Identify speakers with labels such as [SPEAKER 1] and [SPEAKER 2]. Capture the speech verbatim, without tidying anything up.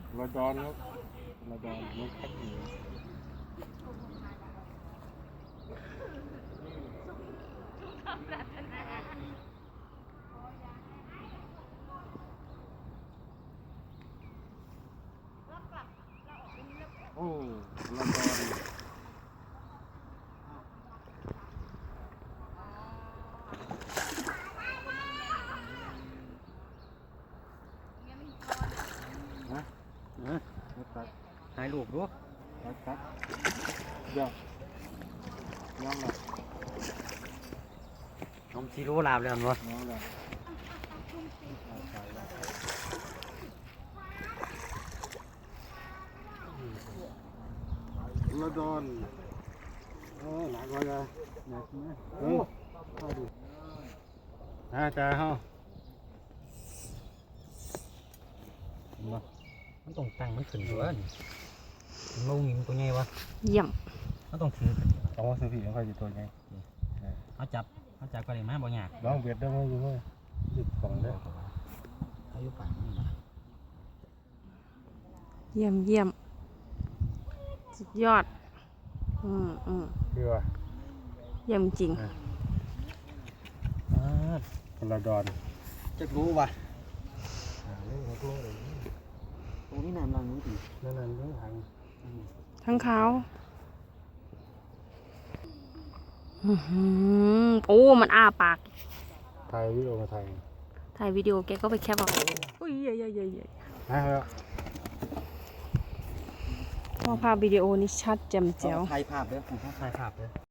[SPEAKER 1] ระดอนครับระดอนลูกคัดหนีโอ้ระดอนนะนะตัดถ่ายรูปดูตัดตัดเดี๋ยวน้องละ
[SPEAKER 2] น้องซีโร่ลาบเลยมั้ง
[SPEAKER 1] น้องละระดอนโอ้หนักกว่าเลยหนักไหมโอ้เข้าดูน่าจะเฮา
[SPEAKER 2] มันต้องตั้งมันขึ้นด้วยมันมีมันตัวใหญ่วะ
[SPEAKER 3] เยี่ยม
[SPEAKER 2] มันต้องถือ
[SPEAKER 1] ต้องว่าซื้อผีมันค่อยจะตัวไง
[SPEAKER 2] เขาจับเขาจับก็เลยมาบ่ยาก
[SPEAKER 1] ลองเบียดได้ไหมอยู่ไหมหยุดกล่องได้
[SPEAKER 2] เขาอยู่ฝั่งนี่มา
[SPEAKER 3] เยี่ยมเยี่ยมสุดยอดอืมอืม
[SPEAKER 1] คือว่า
[SPEAKER 3] เยี่ยมจริง
[SPEAKER 1] พลดอน
[SPEAKER 2] จะรู้ว่ะตรงนี้น้ำรังนี้ดิ
[SPEAKER 1] นั่นนั่นเรื่องทาง
[SPEAKER 3] ทั้งเขาอื้อหือโอ้มันอ้าปาก
[SPEAKER 1] ถ่ายวิดีโอมาถ่าย
[SPEAKER 3] ถ่ายวิดีโอแกก็ไปแคปเอาอุ้ยเยอะๆๆ
[SPEAKER 1] นะครับ
[SPEAKER 3] ๆพอภาพวิดีโอนี่ชัดแจ่มแจ๋ว
[SPEAKER 2] ถ่ายภาพเด้อถ่ายภาพเด้อ